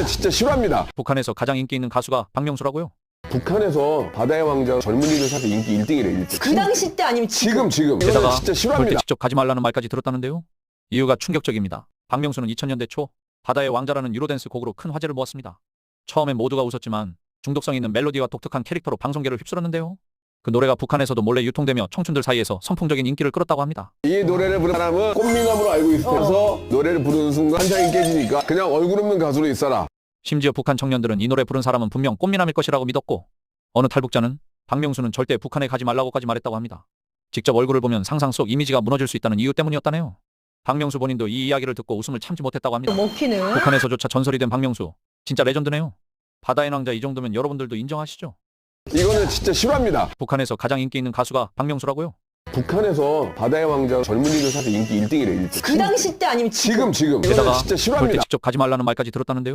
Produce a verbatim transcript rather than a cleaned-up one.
이거는 진짜 싫어합니다. 북한에서 가장 인기 있는 가수가 박명수라고요? 북한에서 바다의 왕자 젊은이들 사이에서 인기 일 등이래. 일 등. 그 당시 때 아니면 지금? 지금 지금. 게다가 이거는 진짜 절대 싫어합니다. 직접 가지 말라는 말까지 들었다는데요. 이유가 충격적입니다. 박명수는 이천 년대 초 바다의 왕자라는 유로댄스 곡으로 큰 화제를 모았습니다. 처음엔 모두가 웃었지만 중독성 있는 멜로디와 독특한 캐릭터로 방송계를 휩쓸었는데요. 그 노래가 북한에서도 몰래 유통되며 청춘들 사이에서 선풍적인 인기를 끌었다고 합니다. 이 노래를 부르는 사람은 꽃미남으로 알고 있어서 노래를 부르는 순간 한장이 깨지니까 그냥 얼굴 없는 가수로 있어라. 심지어 북한 청년들은 이 노래 부른 사람은 분명 꽃미남일 것이라고 믿었고 어느 탈북자는 박명수는 절대 북한에 가지 말라고까지 말했다고 합니다. 직접 얼굴을 보면 상상 속 이미지가 무너질 수 있다는 이유 때문이었다네요. 박명수 본인도 이 이야기를 듣고 웃음을 참지 못했다고 합니다. 먹히는? 북한에서조차 전설이 된 박명수. 진짜 레전드네요. 바다의 왕자 이 정도면 여러분들도 인정하시죠? 이거는 진짜 싫어합니다. 북한에서 가장 인기 있는 가수가 박명수라고요? 북한에서 바다의 왕자 젊은이들 사이에서 인기 일 등이래. 일 등. 그 당시 때 아니면 지금? 지금 지금. 게다가 이거는 진짜 절대 싫어합니다. 직접 가지 말라는 말까지 들었다는데요.